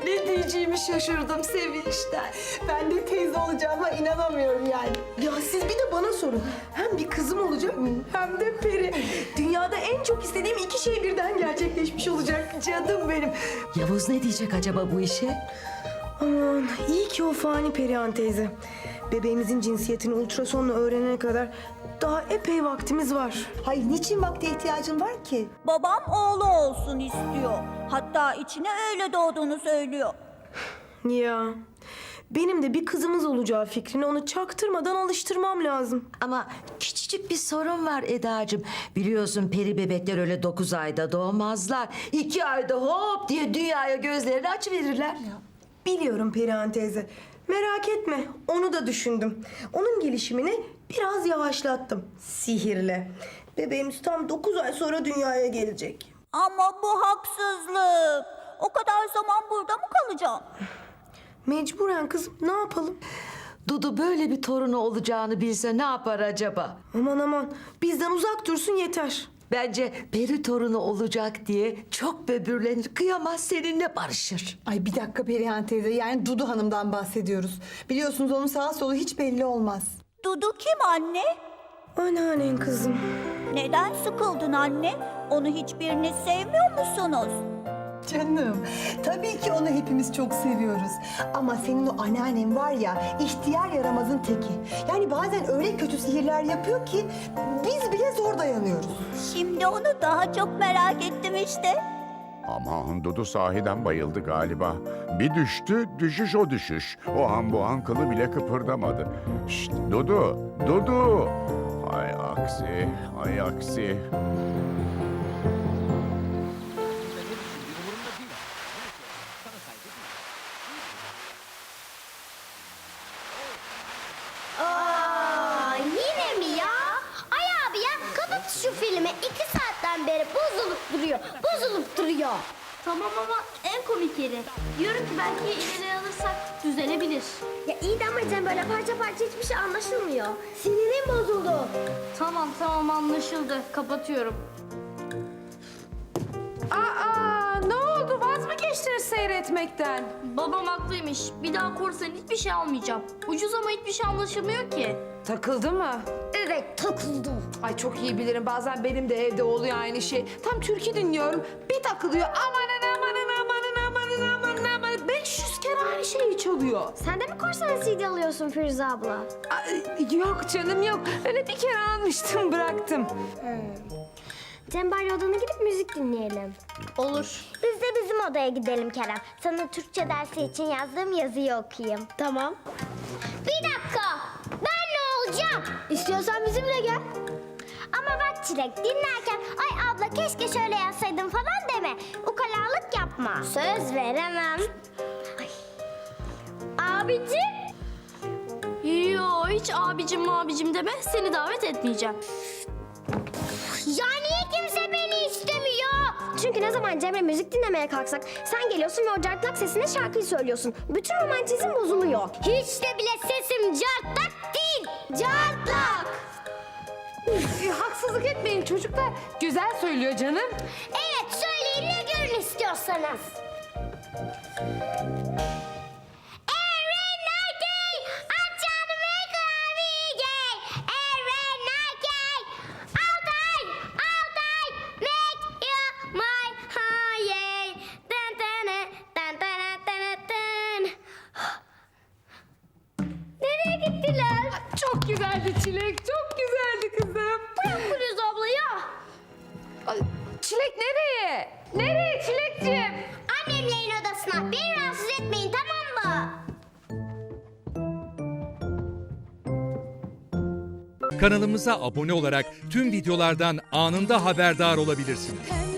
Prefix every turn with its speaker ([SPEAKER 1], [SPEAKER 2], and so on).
[SPEAKER 1] Ne diyeceğimi şaşırdım sevinçten.
[SPEAKER 2] Ben de teyze olacağıma inanamıyorum yani. Ya siz bir de bana sorun. Hem bir kızım olacak hem de peri. Dünyada en çok istediğim iki şey birden gerçekleşmiş olacak.
[SPEAKER 1] Canım benim. Yavuz ne diyecek acaba bu işe?
[SPEAKER 2] Aman iyi ki o fani Perihan teyze. Bebeğimizin cinsiyetini ultrasonla öğrenene kadar daha epey vaktimiz var.
[SPEAKER 3] Hayır, niçin vakte ihtiyacın var ki?
[SPEAKER 4] Babam oğlu olsun istiyor. Hatta içine öyle doğduğunu söylüyor.
[SPEAKER 2] Ya benim de bir kızımız olacağı fikrine onu çaktırmadan alıştırmam lazım.
[SPEAKER 1] Ama küçücük bir sorun var Edacığım. Biliyorsun peri bebekler öyle 9 ayda doğmazlar. 2 ayda hop diye dünyaya gözlerini açıverirler.
[SPEAKER 2] Biliyorum Perihan teyze. Merak etme, onu da düşündüm. Onun gelişimini biraz yavaşlattım sihirle. Bebeğimiz tam 9 ay sonra dünyaya gelecek.
[SPEAKER 4] Ama bu haksızlık. O kadar zaman burada mı kalacağım?
[SPEAKER 2] Mecburen kızım, ne yapalım?
[SPEAKER 1] Dudu böyle bir torunu olacağını bilse ne yapar acaba?
[SPEAKER 2] Aman aman, bizden uzak dursun yeter.
[SPEAKER 1] Bence peri torunu olacak diye çok böbürlenir, kıyamaz, seninle barışır.
[SPEAKER 3] Ay bir dakika Perihan teyze, yani Dudu Hanım'dan bahsediyoruz. Biliyorsunuz onun sağ solu hiç belli olmaz.
[SPEAKER 4] Dudu kim anne?
[SPEAKER 2] Anneannen kızım.
[SPEAKER 4] Neden sıkıldın anne? Onu hiçbiriniz sevmiyor musunuz?
[SPEAKER 3] Canım, tabii ki onu hepimiz çok seviyoruz. Ama senin o anneannen var ya, ihtiyar yaramazın teki. Yani bazen öyle kötü sihirler yapıyor ki biz bile zor dayanıyoruz.
[SPEAKER 4] Şimdi onu daha çok merak ettim işte.
[SPEAKER 5] Aman Dudu sahiden bayıldı galiba. Bir düştü, düşüş o düşüş. O an bu an kılı bile kıpırdamadı. Şşt Dudu, Dudu! Hay aksi, hay aksi.
[SPEAKER 6] Aa, yine mi ya? Ay abi ya kapat şu filmi. 2 saatten beri bozulup duruyor.
[SPEAKER 7] Tamam ama en komik yeri. Diyorum ki belki ileri alırsak düzelebilir.
[SPEAKER 6] Ya iyi de ama Cem böyle parça parça hiçbir şey anlaşılmıyor. Sinirim bozuldu.
[SPEAKER 7] Tamam anlaşıldı. Kapatıyorum.
[SPEAKER 8] Aa, ne oldu? Vaz mı geçtiniz seyretmekten?
[SPEAKER 7] Babam haklıymış. Bir daha korsan hiçbir şey almayacağım. Ucuz ama hiçbir şey anlaşılmıyor ki.
[SPEAKER 8] Takıldı mı?
[SPEAKER 6] Evet takıldı.
[SPEAKER 8] Ay çok iyi bilirim. Bazen benim de evde oluyor aynı şey. Tam türkü dinliyorum. Bir takılıyor. Amanın amanın amanın amanın amanın amanın. 500 kere aynı şeyi çalıyor.
[SPEAKER 6] Sen de mi korsan CD alıyorsun Firuze abla?
[SPEAKER 8] Ay, yok canım yok. Öyle bir kere almıştım bıraktım.
[SPEAKER 6] Cem bari odana gidip müzik dinleyelim.
[SPEAKER 7] Olur.
[SPEAKER 6] Biz de bizim odaya gidelim Kerem. Sana Türkçe dersi için yazdığım yazıyı okuyayım. Tamam. Bir dakika. Ben ne olacağım? İstiyorsan bizimle gel. Ama bak Çilek dinlerken ay abla keşke şöyle yazsaydın falan deme. Ukalalık yapma. Söz veremem. Ay. Abicim.
[SPEAKER 7] Yo hiç abicim deme. Seni davet etmeyeceğim.
[SPEAKER 6] Ya niye kimse beni istemiyor? Çünkü ne zaman Cemre müzik dinlemeye kalksak sen geliyorsun ve o cartlak sesine şarkıyı söylüyorsun. Bütün romantizm bozuluyor. Hiç de bile sesim cartlak değil. Cartlak.
[SPEAKER 8] Haksızlık etmeyin çocuklar. Güzel söylüyor canım.
[SPEAKER 6] Evet söyleyin ne görün istiyorsanız. Nereye gittiler?
[SPEAKER 8] Çok güzeldi Çilek. Çok güzeldi kızım.
[SPEAKER 6] Bırak Firuze abla ya.
[SPEAKER 8] Ay, Çilek nereye? Nereye Çilekciğim?
[SPEAKER 6] Annemlerin odasına. Beni rahatsız etmeyin tamam mı?
[SPEAKER 9] Kanalımıza abone olarak tüm videolardan anında haberdar olabilirsiniz.